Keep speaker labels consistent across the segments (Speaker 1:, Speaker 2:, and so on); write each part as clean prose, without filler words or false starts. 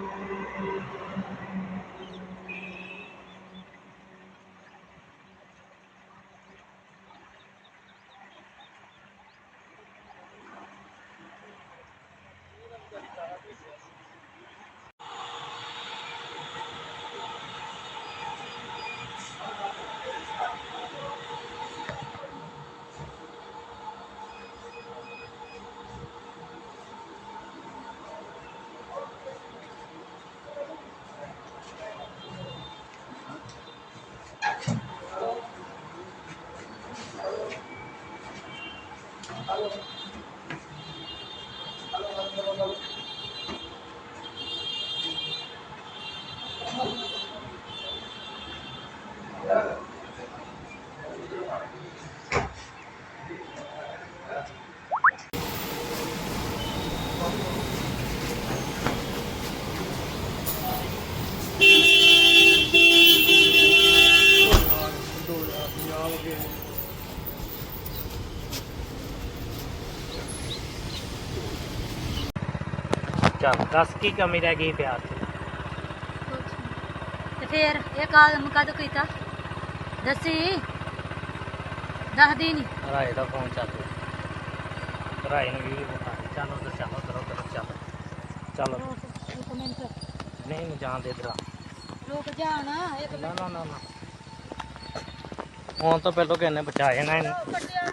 Speaker 1: चल दस की कमी रह गई प्यार से
Speaker 2: फिर ये काम कदों किया दसी 10 दिन
Speaker 1: भराए का फोन चल भराए ने वीडियो बता चलो तो चलो करो करो चलो चलो नहीं मैं जान दे दरा
Speaker 2: रुक जाना
Speaker 1: ना ना ना ना फोन तो पहले कहने बचाए ना इन्हें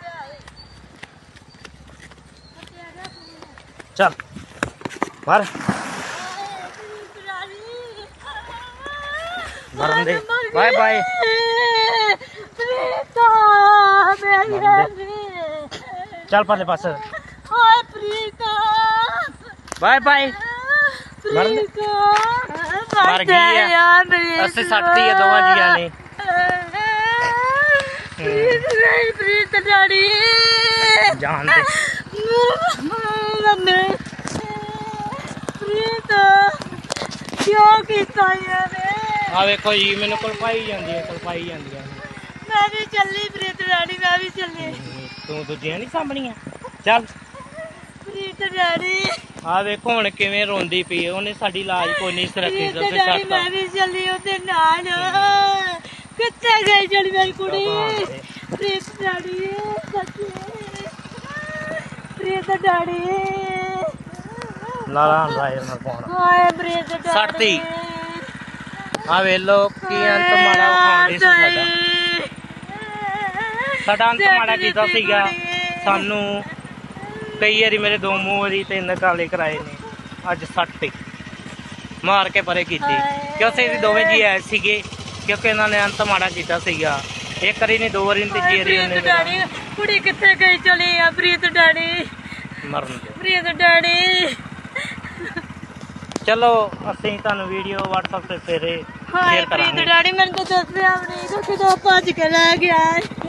Speaker 1: चल मर मरन दे बाय बाय चल पहले पास बाय बाय मर गई है अस्सी 60 है दोवां जिया ने जान दे
Speaker 2: क्यों किया यार
Speaker 1: आ देखो जी मैंने कलपाई जाती है
Speaker 2: मैं भी चली प्रीत रानी मैं भी चली
Speaker 1: तू दूजिया नहीं सामनिया चल
Speaker 2: प्रीत रानी
Speaker 1: आ देखो हुण किवें रोंदी पई ओने साडी लाज कोई नहीं रखी
Speaker 2: प्रीत रानी मैं भी चली ओदे नाल कित्थे गई जड़ी मेरी कुड़ी प्रीत रानी सच्ची प्रीत रानी
Speaker 1: नाला राय ना फोन
Speaker 2: हाय प्रीत रानी
Speaker 1: सटती आ वे लो की अंत माड़ा खांदे सी साडा अंत माड़ा कीता सीगा सानू कई बारी मेरे 2 मूंह वारी 3 काले कराए ने अज सटती मार के परे कीती क्योंकि ये दोवें जी आए सीगे क्योंकि इन्होंने अंत माड़ा कीता सीगा एक बारी नहीं 2 बारी नहीं तीजी बारी
Speaker 2: कुड़ी कित्थे गई चली आ प्रीत डैडी
Speaker 1: मरन दे
Speaker 2: प्रीत डैडी
Speaker 1: चलो ਅਸੀਂ ਤੁਹਾਨੂੰ ਵੀਡੀਓ WhatsApp ਤੇ ਫੇਰੇ ਸ਼ੇਅਰ ਕਰਾਂਗੇ
Speaker 2: ਪ੍ਰੀਤ ਡੈਡੀ ਮੈਨੂੰ ਤਾਂ ਦੱਸਿਆ ਵੀ ਨਹੀਂ ਕਿ ਕਿਦੋਂ ਭੱਜ ਕੇ ਲੈ ਗਿਆ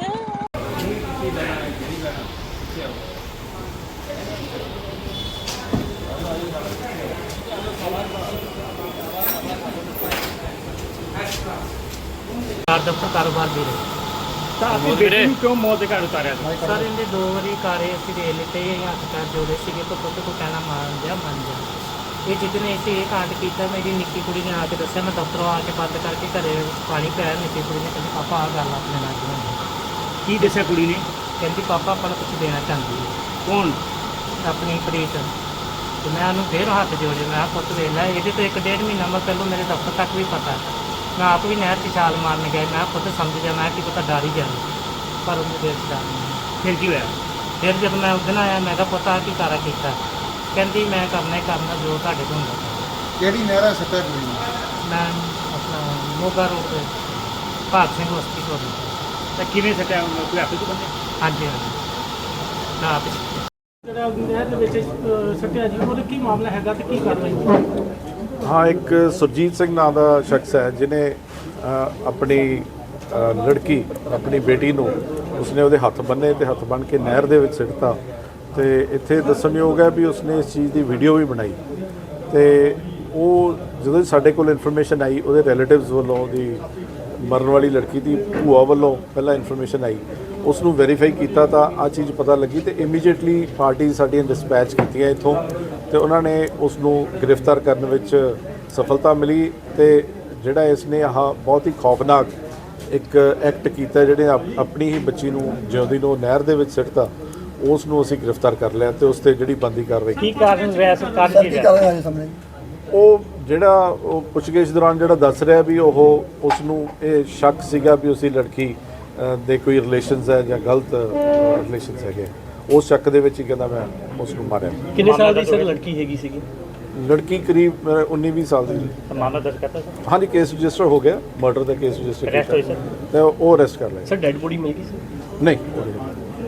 Speaker 1: ਦਫ਼ਤਰ ਕਾਰੋਬਾਰ ਵੀਰੇ
Speaker 3: ਤਾਂ ਆਪਣੀ ਬੇਟੀ ਨੂੰ ਕਿਉਂ ਮੌਤ ਦੇ ਘਾਟ ਉਤਾਰਿਆ ਸੀ?
Speaker 1: ਸਰ ਇਹਨੇ 2 ਵਾਰੀ ਕਾਰੇ ਅਸੀਂ ਦੇ ਲਿੱਤੇ ਹੱਥ ਪੈਰ ਜੋੜੇ ਸੀਗੇ ਤਾਂ ਪੁੱਤ ਕੋ ਕਹਿਣਾ ਮੰਨ ਜਾ ਇਹ ਜਿੱਦਨੇ ਅਸੀਂ ਇਹ ਕਾਂਡ ਕੀਤਾ ਮੇਰੀ ਨਿੱਕੀ ਕੁੜੀ ਨੇ ਆ ਕੇ ਦੱਸਿਆ ਮੈਂ ਦਫ਼ਤਰੋਂ ਆ ਕੇ ਬੰਦ ਕਰਕੇ ਘਰੇ ਪਾਣੀ ਪਿਆਇਆ ਨਿੱਕੀ ਕੁੜੀ ਨੇ ਕਹਿੰਦੀ ਪਾਪਾ ਆਹ ਗੱਲ ਆਪਣੇ ਨਾਲ ਬਣਾਈ
Speaker 3: ਕੀ ਦੱਸਿਆ ਕੁੜੀ ਨੇ?
Speaker 1: ਕਹਿੰਦੀ ਪਾਪਾ ਆਪਾਂ ਨੂੰ ਕੁਝ ਦੇਣਾ ਚਾਹੁੰਦੀ ਹੈ
Speaker 3: ਕੌਣ?
Speaker 1: ਆਪਣੀ ਪ੍ਰੀਤ ਤੇ ਮੈਂ ਉਹਨੂੰ ਫੇਰ ਹੱਥ ਜੋੜੇ ਮੈਂ ਪੁੱਤ ਵੇਖ ਲੈ ਇਹਦੇ ਤੋਂ 1.5 ਮਹੀਨਾ ਮੈਂ ਪਹਿਲਾਂ ਮੇਰੇ ਦਫ਼ਤਰ ਤੱਕ ਵੀ ਪਤਾ ਮੈਂ ਆਪ ਵੀ ਨਹਿਰ 'ਚ ਛਾਲ ਮਾਰਨ ਗਿਆ ਮੈਂ ਖੁਦ ਸਮਝ ਗਿਆ ਮੈਂ ਕਿ ਪਤਾ ਡਰ ਹੀ ਜਾਣਾ ਪਰ ਉਹਨੂੰ ਦੇਰ ਡਰ ਨਹੀਂ
Speaker 3: ਫਿਰ ਕੀ ਹੋਇਆ?
Speaker 1: ਫਿਰ ਜਦ ਮੈਂ ਉਸ ਦਿਨ ਆਇਆ ਮੈਂ ਕਿਹਾ ਪਤਾ ਕੀ ਕਾਰਾ ਕੀਤਾ ਕਹਿੰਦੀ ਮੈਂ ਕਰਨਾ ਹੀ ਕਰਨਾ ਜੋ ਤੁਹਾਡੇ ਤੋਂ ਹੁੰਦਾ
Speaker 4: ਕਿਹੜੀ ਨਹਿਰਾ ਸੱਟਾ ਕੁੜੀ ਨੂੰ?
Speaker 1: ਮੈਂ ਆਪਣਾ ਮੋਗਾ ਰੋਡ ਤੇ ਭਾਗ ਸਿੰਘ ਬਸਤੀ ਕੋਲ
Speaker 3: ਤਾਂ ਕਿਵੇਂ ਸੱਟਿਆ ਕੋਈ ਹੱਥ 'ਚ ਬੰਦੇ?
Speaker 1: ਹਾਂਜੀ ਹਾਂਜੀ ਨਾ ਆਪ
Speaker 3: ਜਿਹੜਾ ਨਹਿਰ ਦੇ ਵਿੱਚ ਸੱਟਿਆ ਜੀ ਉਹਦਾ ਕੀ ਮਾਮਲਾ ਹੈਗਾ ਤੇ ਕੀ ਕਾਰਵਾਈ?
Speaker 4: ਹਾਂ ਇੱਕ ਸੁਰਜੀਤ ਸਿੰਘ ਨਾਂ ਦਾ ਸ਼ਖਸ ਹੈ ਜਿਨੇ ਆਪਣੀ ਲੜਕੀ ਆਪਣੀ ਬੇਟੀ ਨੂੰ ਉਸਨੇ ਉਹਦੇ ਹੱਥ ਬੰਨੇ ਤੇ ਹੱਥ ਬੰਨ ਕੇ ਨਹਿਰ ਦੇ ਵਿੱਚ ਸਿੱਟਤਾ ਤੇ ਇੱਥੇ ਦੱਸਣਯੋਗ ਹੈ ਵੀ ਉਸਨੇ ਇਸ ਚੀਜ਼ ਦੀ ਵੀਡੀਓ ਵੀ ਬਣਾਈ ਤੇ ਉਹ ਜਦੋਂ ਸਾਡੇ ਕੋਲ ਇਨਫੋਰਮੇਸ਼ਨ ਆਈ ਉਹਦੇ ਰਿਲੇਟਿਵਸ ਵੱਲੋਂ ਉਹਦੀ ਮਰਨ ਵਾਲੀ ਲੜਕੀ ਦੀ ਭੂਆ ਵੱਲੋਂ ਪਹਿਲਾਂ ਇਨਫੋਰਮੇਸ਼ਨ ਆਈ ਉਸ ਨੂੰ ਵੈਰੀਫਾਈ ਕੀਤਾ ਤਾਂ ਆ ਚੀਜ਼ ਪਤਾ ਲੱਗੀ ਤੇ ਇਮੀਡੀਏਟਲੀ ਪਾਰਟੀ ਸਾਡੀਆਂ ਡਿਸਪੈਚ ਕੀਤੀਆਂ ਇੱਥੋਂ ਤੇ ਉਹਨਾਂ ਨੇ ਉਸ ਨੂੰ ਗ੍ਰਿਫਤਾਰ ਕਰਨ ਵਿੱਚ ਸਫਲਤਾ ਮਿਲੀ ਤੇ ਜਿਹੜਾ ਇਸ ਨੇ ਆਹ ਬਹੁਤ ਹੀ ਖੌਫਨਾਕ ਇੱਕ ਐਕਟ ਕੀਤਾ, ਜਿਹੜੇ ਆਪਣੀ ਹੀ ਬੱਚੀ ਨੂੰ ਜਿਉਂਦੀ ਨੂੰ ਨਹਿਰ ਦੇ ਵਿੱਚ ਸਿੱਟਤਾ, ਉਸ ਨੂੰ ਅਸੀਂ ਗ੍ਰਿਫਤਾਰ ਕਰ ਲਿਆ ਤੇ ਉਸ ਤੇ ਜਿਹੜੀ ਬੰਦੀ ਕਾਰਵਾਈ
Speaker 1: ਕੀ ਕਾਰਨ ਰਿਹਾ ਸਰਕਾਰ ਕੀ ਰਿਹਾ?
Speaker 4: ਉਹ ਜਿਹੜਾ ਉਹ ਪੁੱਛਗਿੱਛ ਦੌਰਾਨ ਜਿਹੜਾ ਦੱਸ ਰਿਹਾ ਵੀ ਉਹ ਉਸ ਨੂੰ ਇਹ ਸ਼ੱਕ ਸੀਗਾ ਵੀ ਉਸਦੀ ਲੜਕੀ ਦੇ ਕੋਈ ਰਿਲੇਸ਼ਨਸ ਹੈ ਜਾਂ ਗਲਤ ਰਿਲੇਸ਼ਨਸ ਹੈਗੇ, ਉਸ ਸ਼ੱਕ ਦੇ ਵਿੱਚ ਹੀ ਕਹਿੰਦਾ ਮੈਂ ਉਸ ਨੂੰ ਮਾਰਿਆ।
Speaker 3: ਕਿੰਨੇ ਸਾਲ ਦੀ ਸਰ ਲੜਕੀ ਹੈਗੀ ਸੀਗੀ?
Speaker 4: ਲੜਕੀ ਕਰੀਬ 19-20 ਸਾਲ ਦੀ।
Speaker 1: ਮਾਮਲਾ ਦਰਜ ਕਰਤਾ ਸਰ?
Speaker 4: ਹਾਂਜੀ, ਕੇਸ ਰਜਿਸਟਰ ਹੋ ਗਿਆ, ਮਰਡਰ ਦਾ ਕੇਸ ਰਜਿਸਟਰ
Speaker 1: ਅਰੈਸਟ ਹੋਈ ਸਰ?
Speaker 4: ਤੇ ਉਹ ਅਰੈਸਟ ਕਰ ਲਿਆ।
Speaker 3: ਸਰ ਡੈਡ ਬੋਡੀ ਮਿਲ ਗਈ ਸੀ?
Speaker 4: ਨਹੀਂ।